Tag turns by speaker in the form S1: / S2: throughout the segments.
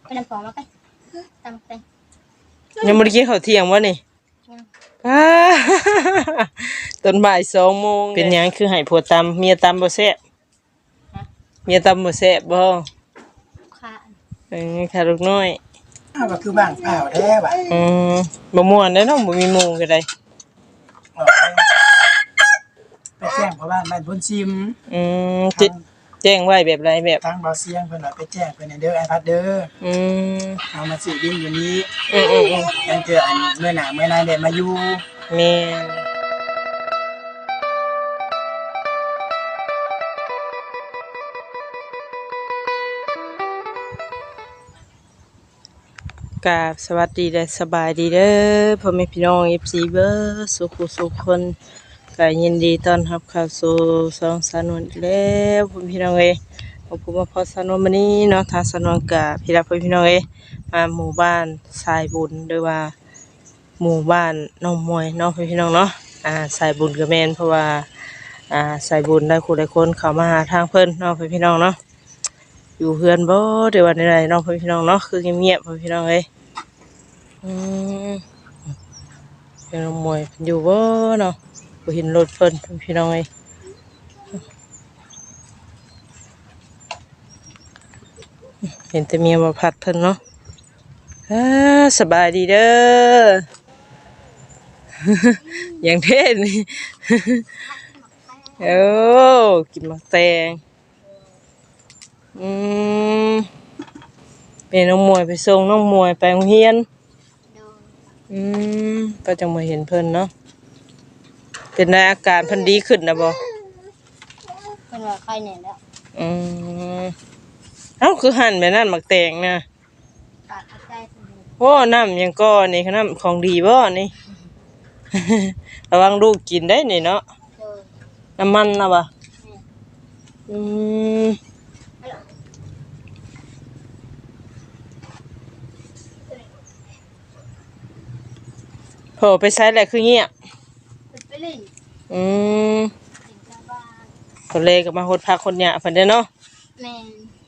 S1: ไปนำของมาไปตำไป
S2: ยังบ่ได้กินข้าวเที่ยงบ่นี่อ้าตอนบ่าย2 โมงเป็นหยังคือให้ผัวตำเมียตำบ่แซ่บเมียตำบ่แซ่บบ่
S1: ค่ะ
S2: ค่ะลูกน้อย
S3: ก็คือบ้างเปล่าแท้ว่ะ
S2: บ่ม่วนเด้เนาะบ่มีหมู่ก็ได้
S3: ไปแจ้งเพราะบ้านพุ่นซิม
S2: จิแจ้งไว้แบบไรแบบ
S3: ทางบ่เสียงเพิ่นว่าไปแจ้งเพิ่นเด้อไอพัดเด้อเอามาสิดินอยู่นี้ยังเจออันเมื่อหน้าเมื่อนายได้มาอยู่
S2: แม่กราบสวัสดีและสบายดีเด้อพ่อแม่พี่น้อง FC เบิดสุขคนก็ยินดีต้อนรับเข้าสู่ช่องสนวนอีกแล้วพ่อพี่น้องเอ้ยผมมาพอสนวนมื้อนี้เนาะทางสนวนก็พี่รับพี่น้องเอ้ยมาหมู่บ้านสายบุญหรือว่าหมู่บ้านน้องมวยเนาะพี่น้องเนาะสายบุญก็แม่นเพราะว่าสายบุญได้คู่หลายคนเข้ามาหาทางเพิ่นเนาะพี่น้องเนาะอยู่เฮือนบ่เดี๋ยววันใดเนาะพี่น้องเนาะคือเงียบๆพี่น้องเอ้ยพี่น้องมวยอยู่บ่เนาะบ่เห็นรถเพิ่นพี่น้องเอ้ยเห็นแต่เมียมาพัดเพิ่นเนาะสบายดีเด้อ อย่างเท่นี่โอ้กินหมากแตงเป็นน้องมวยไปส่งน้องมวยไปโรงเรียนก็จังมาเห็นเพิ่นเนาะเป็นได้อาการเพิ่นดีขึ้นนะบ่
S1: เพิ่นว่าไข้แน่แล้ว
S2: เอ้าคือหั่นแบบนั้นหมักแตงนะ
S1: ปากใจ
S2: โอ้น้ำยังก็นี่น้ำของดีบ่นี่ ระวังลูกกินได้นี่เนาะน้ำมันนะบ่โหไปใช้อะไรคือเงี้ย
S1: ไปเล่น
S2: คนเลก็มาหดพักคนหยาเพิ่นเด้อเนาะ
S1: แม่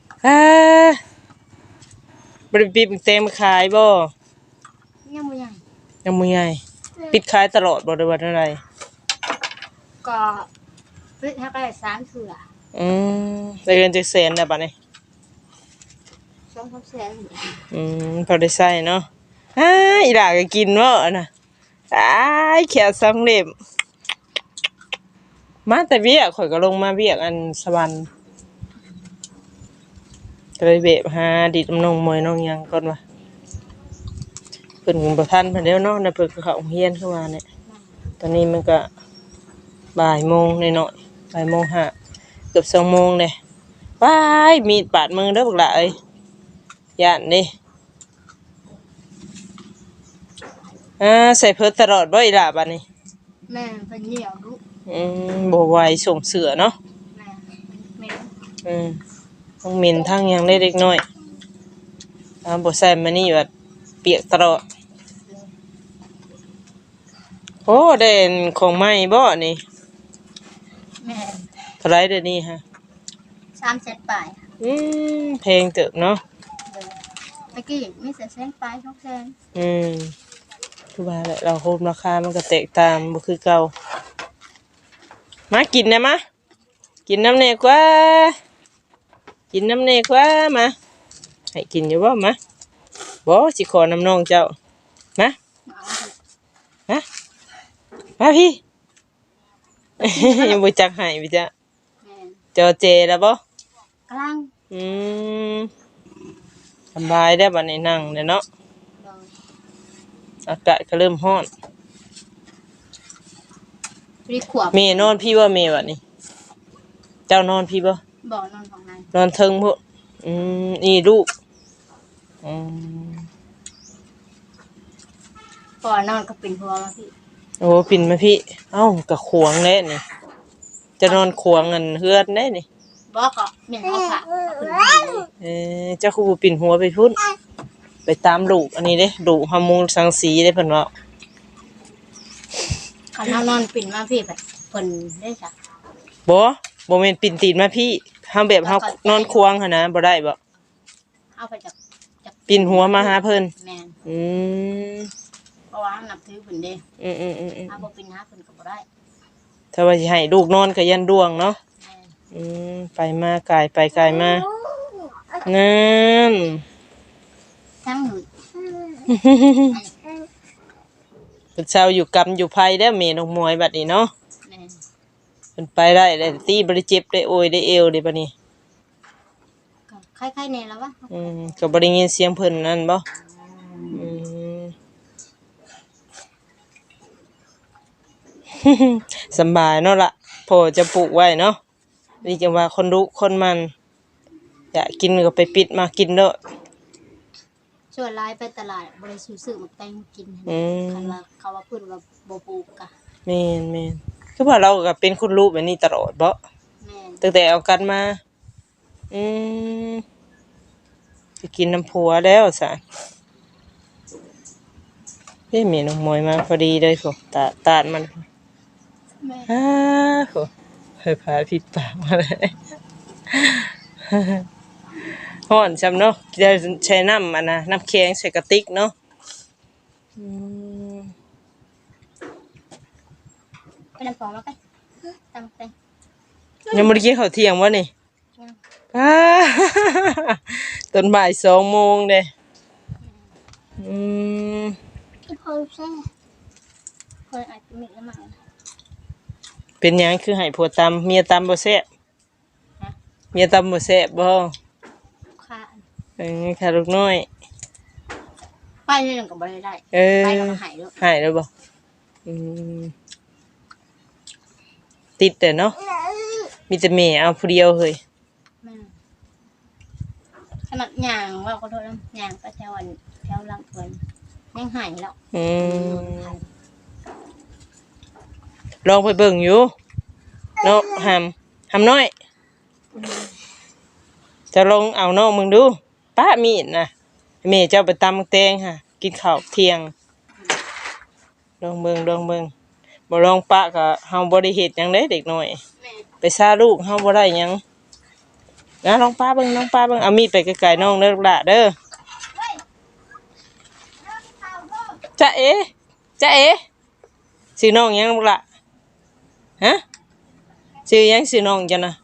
S2: บ่ได้ปิดเต็มขายบ่
S1: ยังบ่ใหญ่
S2: ปิดขายตลอดบ่ได้ว่าเท่าไหร่
S1: ก็ปิดให้ได้3เทื่อ
S2: ได้เงินจักแสนแล้วบัดนี้
S1: 2-3แสน
S2: พอได้ใช้เนาะอีหล่าก็กินบ่น่ะแขว2 เล่มมาแต่เวียกข่อยก็ลงมาเวียกอันสวรรค์ก็เลยเบะหาดิดน้องมวยน้องหยังก่อนว่าเพิ่นบ่ทันเพิ่นแล้วเนาะเพิ่นก็เข้าโรงเรียนเข้ามาเนี่ยตอนนี้มันก็บ่ายโมงหน่อยๆบ่ายโมงห้าเกือบ2 โมงเลยว้ายมีดบาดมือเด้อบักหล่ะเอ้ยย่านนี่ใส่เพิ่นตลอดบ่อีหล่ะบัดนี้
S1: แม่เพิ่นเหนียวดุ
S2: บ่ไหวส่งเสือเนาะ
S1: แม่
S2: ทั้งเหม็นทั้งหยังเล็กน้อยบ่ใส่มานี่ว่าเปียกตลอดโอ้เด่นของใหม่บ่นี่
S1: แม่
S2: เท่าไหร่เดี๋ยวนี้ฮะ
S1: 3แสนปลาย
S2: แพงเติบเนาะ
S1: เมื่อกี้มี1แสนปลาย2แสน
S2: คือว่าแหละเราโฮมราคามันก็แตกต่างบ่คือเก่ามากินนะมะกินน้ำเนกว่ากินน้ำเนกว่ามาให้กินอยู่บ่มาบ่สิขอน้ำน้องเจ้ามาพี่ ยังบ่จักให้พี่จ้ะจอเจแล้วบ่
S1: กำลัง
S2: สบายได้บัดนี้นั่งเนาะอากาศก็เริ่มร้อนเมย์นอนพี่ว่าเมย์บัดนี้เจ้านอนพี่บ่
S1: นอนของนาย
S2: นอนเทิงพุ่นนี่ลูก
S1: พอนอนก็ปิ่นหัวมาพี่
S2: โอ้ปิ่นมาพี่เอ้าก็ขวงแน่นี่จะนอนขวงเงินเฮือนได้นี่
S1: บ่ก็แม่นเอาค่ะ
S2: เจ้าคือบ่ปิ่นหัวไปพุ่นไปตามลูกอันนี้เด้ลูกฮอร์โมนสังสีได้เพิ่นว่า
S1: คันเฮานอนปิ่นมาพี่แบบเพิ่นได้จ้ะ
S2: บ่แม่นปิ่นตีนมาพี่เฮาแบบเฮานอนควงหั่นนะบ่ได้บ่
S1: เอาไปจากป
S2: ปิ่นหัวมาหาเพิ่น
S1: แม่น
S2: อืม
S1: เพราะว่านับถือเพิ่นเด้ ถ้าบ่เป็นหาเพิ่นก็บ่ได้
S2: ถ้าว่าสิให้ลูกนอนก็ยันดวงเนาะ
S1: แม่น
S2: ไปมากายไปกายมานั่น
S1: ทั้งหนู
S2: เป็นเช้าอยู่กรรมอยู่ภัยได้อเมนองมวยบัดนี้เนาะ
S1: แม่น
S2: เป็นไปได้ตีบ่ได้เจ็บได้โอยได้เอวได้บัดนี้
S1: ก็คล้ายๆแน่แล้ววะ
S2: ก็บ่ได้ยินเสียงเพิ่นนั่นบ่อืม สำบายเนาะล่ะพอจะปลูกไว้เนาะนี่จะว่าคนรู้คนมันอยากกินก็ไปปิดมากินเด้อ
S1: ส่วนหลายไปตลาดบ่ได้ซื้อหมักแตงกิน คันว่าเขาว่าเพิ่นว่าบ่ปลูกกะ
S2: แม่นคือว่าเราก็เป็นคนรู้แบบนี้ตลอดบ่
S1: แม่น
S2: ตั้งแต่เอากันมาจะกินน้ำผัวแล้วสะเฮ้ยเมนูมวยมาพอดีเลยโหตาดมัน
S1: แม่น
S2: โหเฮ้ยพาผิดปากมาเลยฮ้อนจำเนาะจะใช้น้ำน้ำแข็งใส่กระติกเนาะ
S1: ไปน้ำปอมากันตำแตง
S2: ยังไม่ได้กินข้าวเที่ยงวะนี่
S1: ยัง
S2: ตอนบ่าย2 โมงเด้อืม
S1: อีพอแซ่คนอาจจะมีละมั่ง
S2: เป็นหยังคือให้ผัวตำเมียตำบ่แซ่บเมียตำบ่แซ่บบ่
S1: ค่ะ
S2: ค่ะลูกน้อย
S1: ไปเรื่องก็บ่ได้
S2: เออ
S1: ไปแล้วก็หายแล้ว
S2: หายแล้วบ่อืมติดแต่เนาะมีแต่แม่เอาผู้เดียวเฮ้ย
S1: แม่นขนาดย่างว่าขอโทษนะย่างไปแถวหลังเพิ่นยังหายแล้ว
S2: ลองไปเบิ่งอยู่เนาะหำน้อยจะลองเอาน้องมึงดูป้ามีดนะแม่เจ้าไปตำแตงค่ะกินข้าวเที่ยงลองเบิ่งบ่ลองปะก็เฮาบ่ได้เฮ็ดหยังเด้เด็กน้อย
S1: แม่
S2: ไปซ่าลูกเฮาบ่ได้หยังนะลองป้าเบิ่งเอามีดไปไกลๆน้องเด้อลูกหล่ะเด้อจ๊ะเอ๋ชื่อน้องหยังลูกหล่ะฮะชื่อหยังชื่อน้องจ้ะนะ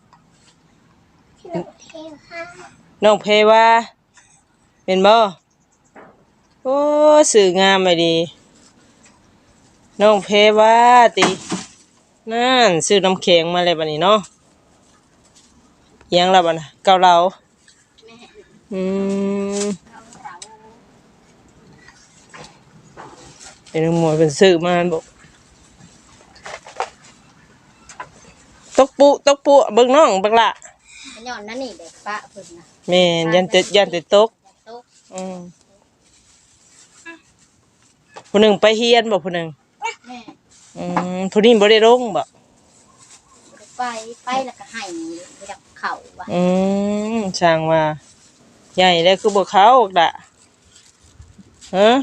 S2: น้องเพว่าเป็นบ่โอ้ชื่องามไปดีน้องเพว่าตินั่นซื้อน้ำแข็งมาเลยบัดนี้เนาะเอียงแล้วบัดน่ะเกาเหลา
S1: แม่
S2: อืม
S1: เราเรา
S2: เป็นหมวยเป็นซื้อมาบอกตกปุเบิ่งน้องบักละ
S1: อันย้อนนั่นนี่เด็กปะเพิ่นนะ
S2: แม่นยันแต่ตก
S1: โต๊ะ
S2: ผู้หนึ่งไปเฮียนบ่ผู้หนึ่ง
S1: แม่
S2: ผู้นี้บ่ได้ลงบ่
S1: ไปแล้วก็ให้ไปดับเข่าว่ะ
S2: ช่างว่าใหญ่แล้วคือบ่เข้าด่ะฮะ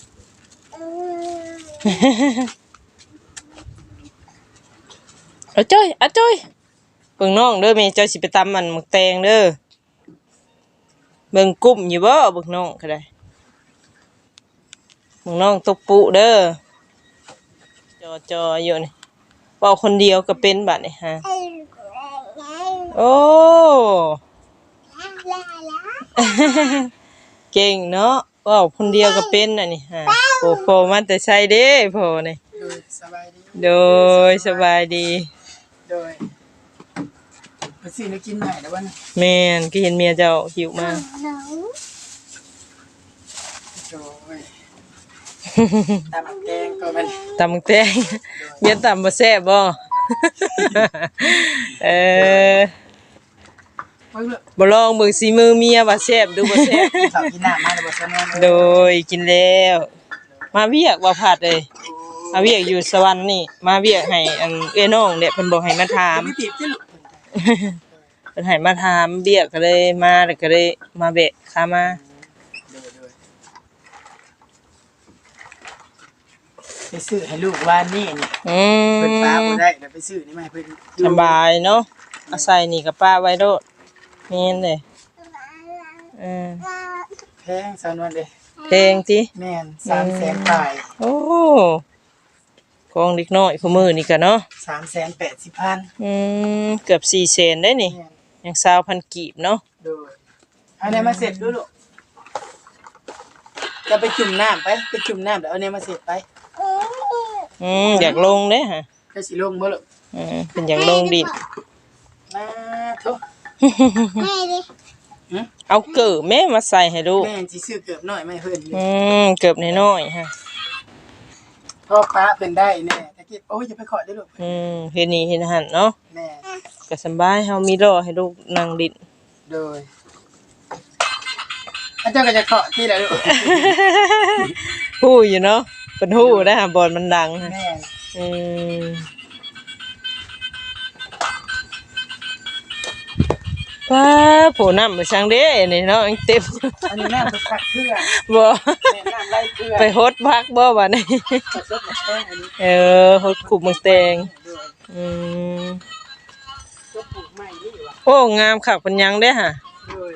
S2: เอาจ้อยเบิ่งน้องเด้อแม่เจ้าสิไปตำมันหมึกแตงเด้อเบิ่งกุ้มอยู่บ่เบิ่งน้องก็ได้เบิ่งน้องตกปุเด้อจออยู่นี่เว้าคนเดียวก็เป็นบัดนี่ฮะโอ้เก่งเนาะเว้าคนเดียวก็เป็นน่ะนี่ฮะโผล่มาแต่ไสเด้โผล่นี่
S3: สบายดี
S2: โดยสบายดี
S3: โดยไปซื้อแล้วกินไหนแล้ววะนะ
S2: แม่นก็เห็นเมียเจ้าหิวมา
S3: โดยตำแกงก็มัน
S2: ตำบักแตงเมียตำบ่แซ่บบ่ เออ
S3: เพิ่งเลิก
S2: บ่ลองเบิ่งสีมือเมียว่าแซ่บดูบ่แซ่บ
S3: ข้าวกินน้ำมาแล้วบ่ซะแม่น
S2: โดยกินแล้ว มาเวียกบ่ผัดเลยมาเวียกอยู่สวรรค์นี่มาเวียกให้อันเอ้ยน้องเนี่ยเพิ่นบอกให้มาถาม
S3: ไม่ติดที่ลูก
S2: เพิ่นให้มาถามเวียกก็เลยมาแล้วก็เลยมาแบะขามา
S3: ไปซื้อให้ลูกว่านี่นี่
S2: อื
S3: เพิ่นป้าบ่
S2: ม
S3: ได้เดี๋ยวไปซื้อนี่มาให้เพิ่น
S2: สบายเนาะเอาใส่นี่กับป้าไว้โดดแม่นเด้เออ
S3: แพงสาวนวลเด้
S2: แพงติ
S3: แม่น300,000ปลาย
S2: โอ้ของเด็กน้อยคู่มือนี่ก็เนาะ
S3: 380,000
S2: เกือบ400,000ได้นี่
S3: แม่น
S2: ยัง20,000กีบเนาะ
S3: โดยเอาเนี่ยมาเสร็จดูลูกจะไปจุ่มน้ำไปจุ่มน้ำเดี๋ยวเอาเนี่ยมาเสร็จไป
S2: อยากลงเด้ฮะ
S3: จะสิลงบ่ลูก
S2: เป็นอยากลงดิน
S3: มาทุก
S2: เอาเกิบแม่มาใส่ให้ลูก
S3: แม่สิซื้อเกือบหน่อยไม่เพิ่นอยู่
S2: เกือบน้อยๆฮะ
S3: พ่อป้าเพิ่นได้แน่ตะกี้โอ้ยอย่าไปขอได้ลูก
S2: เฮ็ดนี่เฮ็ดหั่นเนาะ
S3: แม่
S2: ก็สำบายเฮามีรอให้ลูกนั่งดิน
S3: โดยอาจารย์ก็จะขอที่ละลูก
S2: ฮู้อยู่เนาะเพิ่นฮู้นะบอลมันดังฮะ
S3: แม่
S2: ป้าโผน้ำไปช่างเด้นี่เนาะยังเต็ม
S3: อันนี้น้ำไปพักเครื่อง
S2: บ่
S3: แม่น้ำไล่เครื่อง
S2: ไปฮดพักบ่บัดนี้
S3: ผสมกับแป้งอันนี้
S2: ฮดขุบเมืองแตง
S3: ก็ปลูกใหม่นี่ว่ะ
S2: โอ้งามคักเป็นหยังเด้ฮะ
S3: โดย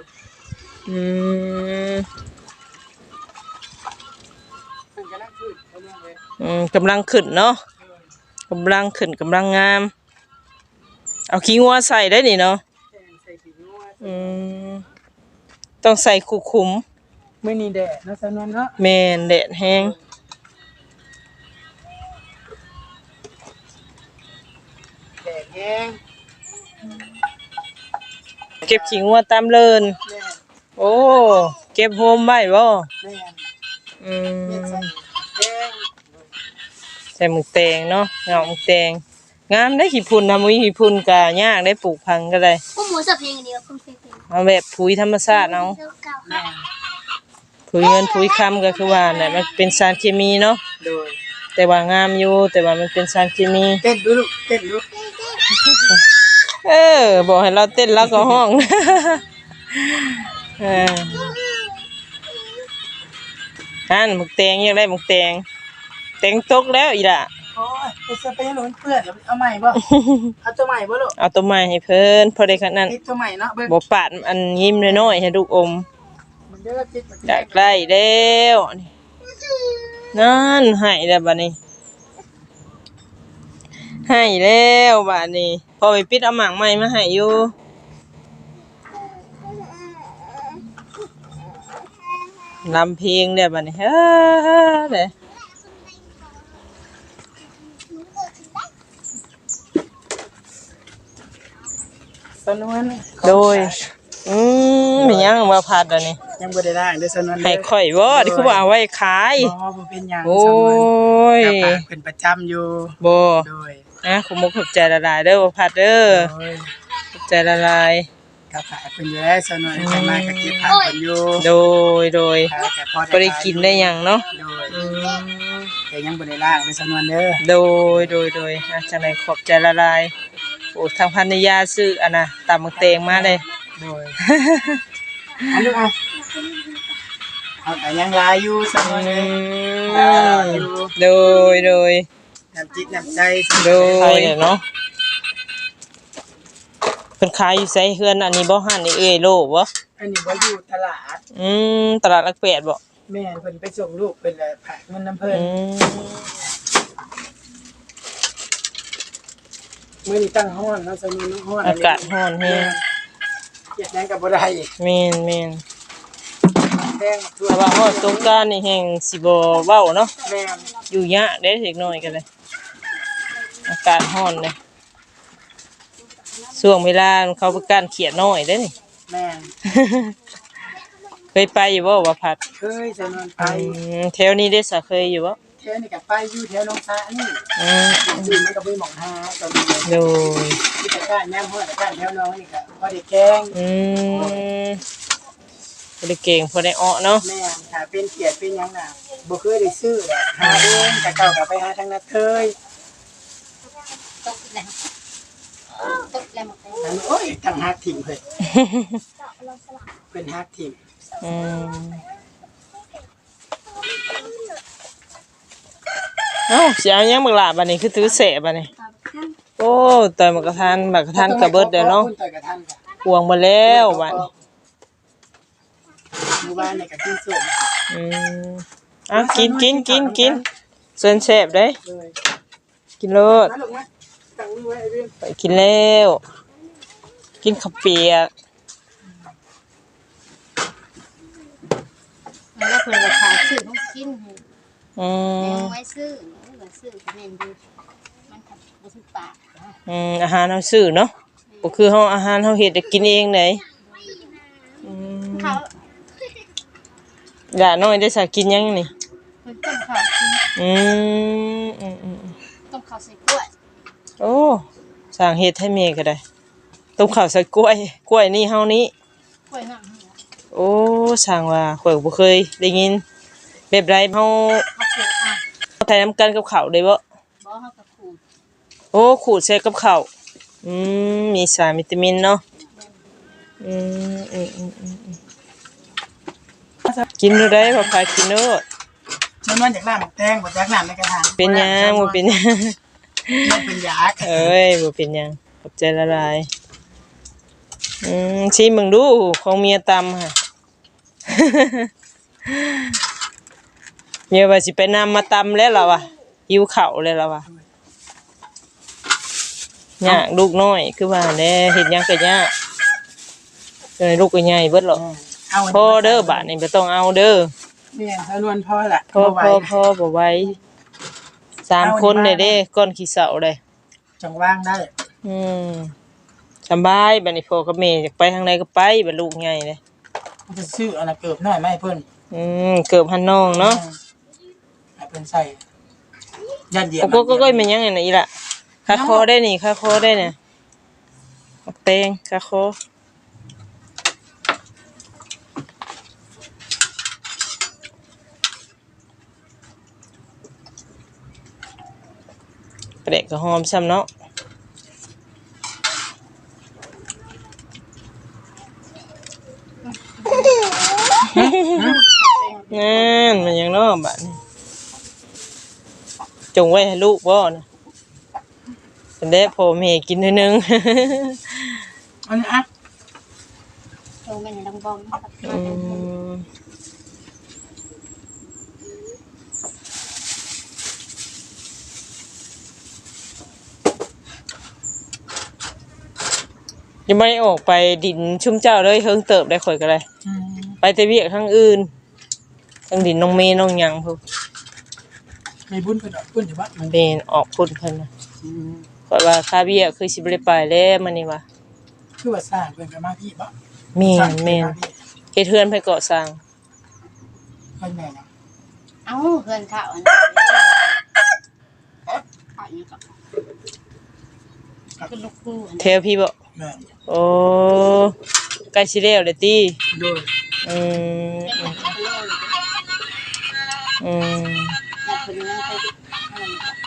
S3: เพิ่นกำลังขึ้นกำลังเลย
S2: กำลังขึ้นเนาะกำลังขึ้นกำลังงาม เอาขี้งัวใส่ได้นี่เนาะ
S3: แป้งใส่สีนัว
S2: ต้องใส่คุคุม
S3: มื้อนี้แดดเนาะสาวนวลเนาะ
S2: แม่นแดดแห้ง
S3: แดดแห้ง
S2: เก็บขี้งัวตามเลิน
S3: แม่
S2: โอ้เก็บโฮมไว้บ่
S3: แม่
S2: อืม
S3: เม็ดใส่แป้ง
S2: ใส่หมึกแตงเนาะเงาหมึกแตงงามได้ขี้พุ่นทำขี้พุ่นกะยากได้ปลูกพังก็ได้
S1: พวกหมูสับเพลงเดียวคุณเพลง
S2: เอาแบบปุ๋ยธรรมชาติเอา
S1: เก่า
S3: แม่
S2: ปุ๋ยเงินปุ๋ยคำก็คือว่าน่ะมันเป็นสารเคมีเนาะ
S3: โดย
S2: แต่ว่างามอยู่แต่ว่ามันเป็นสารเคมี
S3: เต้นดูลูกเต้นดู
S2: บอกให้เราเต้นแล้วก็ห้อง นั่นหมึกแตงยังได้หมึกแตงแตงตกแล้วอีล่ะ
S3: โอ้ยไปเสื้อไปให้หนูเปื้อนเดี๋ยวเอาใหม่บ่เอาตัวใหม่บ่ลูก
S2: เอาตัวใหม่ให้เพิ่นพอได้ขนาดนั้น
S3: ติดตัวใหม่เนาะเบิ่ง
S2: บ่ปาดอันยิ้มน้อยๆให้ลูกอม
S3: มันเด้อติดมัน
S2: อยากได้แล้วนี่นั่นให้แล้วบัดนี้ให้แล้วบัดนี้พอไปปิดเอาหมากใหม่มาให้อยู่ลำเพลงแล้วบัดนี้เด้
S3: สาวนวล
S2: โดยมีหยังมาพัดอันนี้
S3: ยังบ่ได้ล้างเด้อสาวนวล
S2: ให้ข่อยบ่ที่คือว่าเอาไว้ขาย
S3: บ่เป็นหยัง
S2: โอ้
S3: สาวนวล
S2: ย
S3: กลับมาเป็นประจำอยู่
S2: บ่
S3: โดย
S2: นะขอมุกขอบใจละลายเด้อบ่พัดเด้อ
S3: โดย
S2: ขอบใจละลาย
S3: กับขายเพิ่นอยู่แล้วสาวนวลไปมาก็เก็บผักเพิ่นอยู่
S2: โดย
S3: แต่พอ
S2: บ่ได้กินได้หยังเนาะ
S3: โดยแต่ยังบ่ได้ล้างเด้อสาวนวลเด้อ
S2: โดยจังได๋ขอบใจละลายโอ้ทางพันยาซื้ออันน่ะตำมักแตงมาเลย
S3: โดยอันลูกเอาเอาแต่ยังลายอยู่สาวนวลเด้ออยู่
S2: โดย
S3: น้ำจิตน้ำใจ
S2: โดยเนาะเพิ่นขายอยู่ไสเฮือนอันนี้บ่หันนี่เอ้ยโลบ่
S3: อันนี้บ่อยู่ตลาด
S2: ตลาดหลักแปดบ่
S3: แม่เพิ่นไปส่งลูกเป็นเลยผักมันน้ำเพิ่นมื้อนี้ตั้งห้อนเนาะสาวนวลห้อน
S2: อากาศร้อนแฮง
S3: เฮ็ดหยังก็บ่ได้
S2: แม่น
S3: แดงทั่ว
S2: แต่ว่าฮอดสงกรานต์นี่แฮงสิบ่เว้าเนาะ
S3: แม่น
S2: อยู่ยะเด้เด็กน้อยกันเลยอากาศร้อนเลยช่วงเวลาเขาไปก้านเขียดน้อยเด้นี่
S3: แม่น
S2: เคยไปอยู่บ่ว่าพัด
S3: เคยสาวนวลไป
S2: แถวนี้ได้สะเคยอยู่บ่
S3: แถวนี้ก็ไปอยู่แถวหนองสานี่
S2: อืม
S3: จริงมันก็บ่หม่องหาตอนนี้
S2: โดย
S3: ที่ตะกร้าย่ำห้อยตะกร้าแถวน้องนี่ก็บ่ได้แกง
S2: พอได้เก่งพอได้อ้อเนาะ
S3: แม่นถ้าเป็นเขียดเป็นหยังน่ะบ่เคยได้ซื้อแหละหาเองแต่เก่าก็ไปหาทางนั้นเคย
S1: ตกแล้วตกแล้วหมดเลย
S3: อันโอ้ยทางฮักถิ่มเพิ่นเพิ่นฮักถิ่ม
S2: เอ้าสิเอาหยังบักหลาบัดนี้คือถือแสบัดนี้โอ้ต่อยบักกะทันกะเบิดเด้อเนาะ
S3: ต่อยกระทันค่ะ
S2: ห่วงบ่แล้วบัด
S3: มมู่บ้านในกับกินส้ม
S2: อ่ะกินเส้นแซ่บเด้
S3: เลย
S2: กินโลด
S3: มาลูกมาตั้งมือไว้ไอ้เรื่อง
S2: ไปกินแล้วกินข้าวเปียก
S1: แล้วเพิ่นก็ขายซื้อของกินให้
S2: อื
S1: แม่
S2: ม
S1: ไว้ซื้อก็ซื้อก็แม่นอยู่มันก็บ่ถูกปาก
S2: อาหารเฮาซื้อเนาะบ่คือเฮาอาหารเฮาเฮ็ดได้กินเองได้อืม
S1: เขา
S2: อย่าน้อยได้สักกินยังนี่
S1: เพิ่นต้มข้าวกิน
S2: อืม
S1: ต้มข้าวใส่กล้วย
S2: โอ้สร้างเฮ็ดให้แม่ก็ได้ต้มข้าวใส่กล้วยนี่เฮานี้
S1: กล้วยน้ำนี่ล่ะ
S2: โอ้สร้างว่าข่อยบ่เคยได้ยินแบบไรเฮา
S1: เขาปลูกอ่ะ
S2: ใส่น้ำกันกับข้าวได้บ่
S1: บ่เฮาก็ขูด
S2: โอ้ขูดใส่กับข้าวมีสารวิตามินเนาะอืมกินดูได้บ่พากินโนด
S3: มันว่าจากน้ำแตงบ่จากน้ำในกระถาง
S2: เป็นหยังบ่เป็นหยัง
S3: มันเป็นยา
S2: เอ้ยบ่เป็นหยังขอบใจละลายชิมมึงดูของเมียตำค่ะ เมียว่าสิไปนำมาตำแล้วล่ะวะหิวข้าวแล้วล่ะวะยากลูกน้อยคือว่าแน่เฮ็ดหยังก็ยากลูกก็ใหญ่เบิดหรอกพอเด้อบาดนี้บ่ต้องเอาเด้อ
S3: เนี่ยสนวนพ่อล่ะ
S2: พอบ่ไหว3คนเด้ก้อนขี้เสาเด้
S3: จังว่างได้
S2: สบายบัดนี้พ่อกับแม่อยากไปทางใดก็ไปบัดลูกใหญ่เลย
S3: มันจะซื้ออันน่ะเกิบน้อยไหมเพิ่น
S2: เกือบหันน้องเนาะ
S3: ให้เพิ่นใส่ยัดเยียด
S2: โอ้ก็มันยังไงน่ะอีล่ะคาคอได้นี่คาคอได้เนี่ยบักแตงคาคอปลาแดกก็หอมซ้ำเนาะนั่นมันยังเนาะบัดนี้จงไว้ให้ลูกบ่นะเป็นได้พ่อแม่กินเท่านึง
S3: อันนี้อ่ะ
S1: โรงแม่นดังบอมมาแต่
S2: ยังไม่ได้ออกไปดินชุ่มเจ้าเลยเฮิงเติบได้ข่อยก็เลยไปแต่เวียกทางอื่นทางดินน้องเมย์น้องหยังพวก
S3: มีบุญเพิ่นดอกบุญอยู่บ่
S2: เมย์ออกพุ่นเพิ่นน่ะข่อยว่าค่าเบี้ยคือสิบ่ได้ไปแล้วมื้อนี้ว่า
S3: คือว่าสร้างเพิ่นก็มาพี่บ่
S2: แม่นเฮ็ดเฮือนไปเกาะสร้าง
S3: เพิ่นแม่น
S1: เอ้าเพื่อนเขาอันนั้นเขาอีกก็คือลูกคู่อัน
S2: แถวพี่บ่
S3: แม่น
S2: โอ้ใกล้สิแล้วเด้อติ
S3: โดย
S2: อืม
S1: เป็นแบบโลเลย
S2: อืม
S1: อยากเป็นนั่งไปอะไร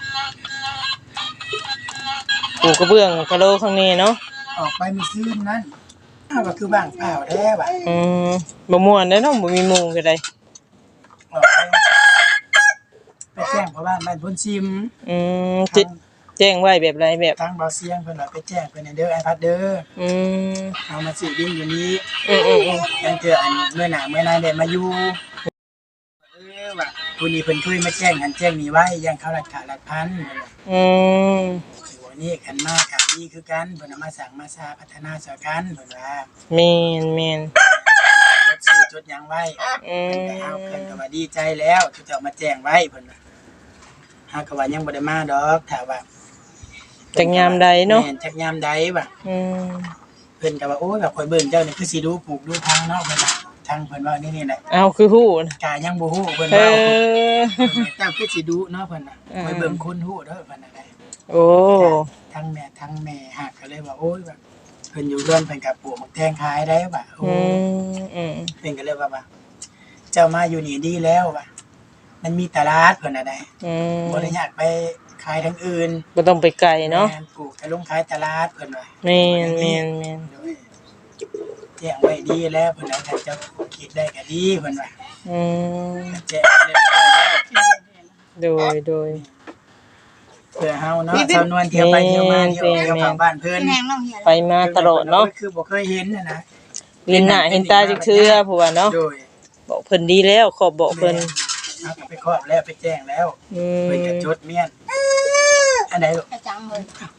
S2: ปูกระเบื้องกะโลข้างนี้เนาะ
S3: ออกไปมื้อคืนนั้นอ้าวก็คือบ้างเปล่าแท้ว่ะ
S2: บ่ม่วนเด้อเนาะบ่มีหมู่ก็ได้
S3: ออกไปแจ้งพ่อบ้านบ้านพุ่นซิม
S2: จิแจ้งไว้แบบไรแบบ
S3: ทางเบาเสียงเพิ่นว่าไปแจ้งเพิ่นให้เด้อไอ้พัดเด้อ
S2: อืม
S3: เอามาสิดินอยู่นี้
S2: อืม
S3: ยังเจออันเมื่อหน้าเมื่อนายได้มาอยู่ว่าผู้นี้เพิ่นเคยมาแจ้งหันแจ้งนี่ไว้ยังเขารัดขารัดพัน
S2: อืม
S3: ถือว่านี่กันมากกับดีคือกันเพิ่นเอามาสั่งมาซาพัฒนาสอกันเพิ่นว่า
S2: แม่น
S3: จดชื่อจดหยังไว้
S2: อื
S3: เพิ่นก็เอา
S2: ม
S3: เพิ่นก็ว่าดีใจแล้วที่จะเอามาแจ้งไว้เพิ่นว่าหากว่ายังบ่ได้มาดอกถ้าว่า
S2: จักยามใดเนาะ
S3: แม่นจักยามใดว่า
S2: อืม
S3: เพิ่นก็ว่าโอ้ยแบบข่อยเบิ่งเจ้านี่คือสิดูปลูกดูทางเนาะเพิ่นว่าทางเพิ่นว่านี่แหละ
S2: เอาคือฮู้นะ
S3: กายังบ่ฮู้เพิ่น
S2: เอ
S3: ว่า
S2: อ
S3: เจ้าคือสิดูเนาะเพิ่นน่ะข่อยเบิ่งคนฮู้เด้อเพิ่นน่ะได้
S2: โอ้
S3: ทั้งแม่หักก็เลยว่าโอ้ยแบบเพิ่นอยู่เรือนเพิ่นก็ปลูกมักแตงขายได้ว่าโอ้
S2: อืม
S3: เพิ่นก็เลยว่าเจ้ามาอยู่นี่ดีแล้วว่ามันมีตลาดเพิ่นน่ะได้ บ่ได้อยากไปขายทางอื่น
S2: บ่ต้องไปไกลเนาะ
S3: แม่ปลูกแต่ลงขายตลาดเพิ่นว่า
S2: แม่น
S3: แจ้งไว้ดีแล้วเพิ่นว่าถ้าเจ้าคิดได้ก็ดีเพิ่นว่า
S2: อืม
S3: แจ้งเรียบร้อยแล้ว
S2: โดย
S3: เพื่อเฮาเนาะชาวนวลเที่ยวไปเที่ยวมาเที่ยวเข้าบ้านเพิ่น
S1: พี่แนงน้องเหีย
S2: ไปมาตลอดเนาะ
S3: คือบ่เคยเห็นน่ะนะ
S2: ลินหน้าเห็นตาจักเทื่อผู้ว่าเนาะ
S3: โดย
S2: บอกเพิ่นดีแล้วขอบบอกเพิ่น
S3: เอาไปครอบแล้วไปแจ้งแล้วเพิ่นจะจดเมียนอันใดลูก
S1: จะจังเลย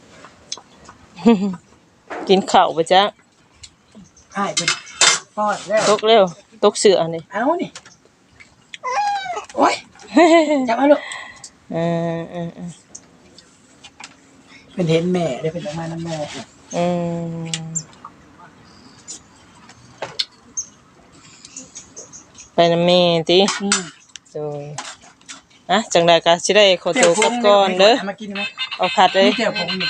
S2: กินข้าวบ่จ๊ะ
S3: อ้ายเพิ่นปอดแล้ว
S2: ตกเร็วตกเสือนี่
S3: เอานี่โอ้ยจับมาลูก
S2: เออ
S3: เพิ่นเห็นแม่ได้เพิ่นออกมานํแม่
S2: อืมไปนำแม่ติ โดยอ่ะจังใดก็สิได้ขอตัวกลับก่อนเด้อ
S3: มากินไหม
S2: เอาผัดเลย
S3: เจ้าผมนี่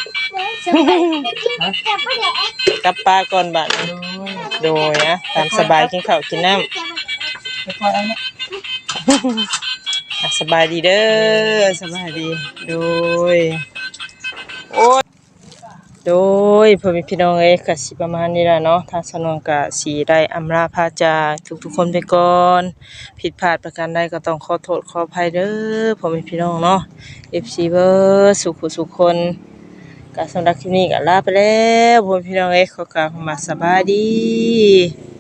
S2: กลับป้าก่อนบัดนี้โดยนะตามสบายกินข้าวกินน้ำ
S3: ไปปล่อยเอาเนี่ย
S2: อ่ะสบายดีเด้อสบายดีโดยโอ้ยโดยพ่อแม่พี่น้องเอ้ยก็สิประมาณนี้ล่ะเนาะทางสนวนก็สิได้อำลาพาจากทุกๆคนไปก่อนผิดพลาดประการใดก็ต้องขอโทษขออภัยเด้อพ่อแม่พี่น้องเนาะ FC เบิร์สุขสุขคนก็สำหรับคลิปนี้ก็ลาไปแล้วพ่อแม่พี่น้องเอ้ยขอกล่าวคำว่าสบายดี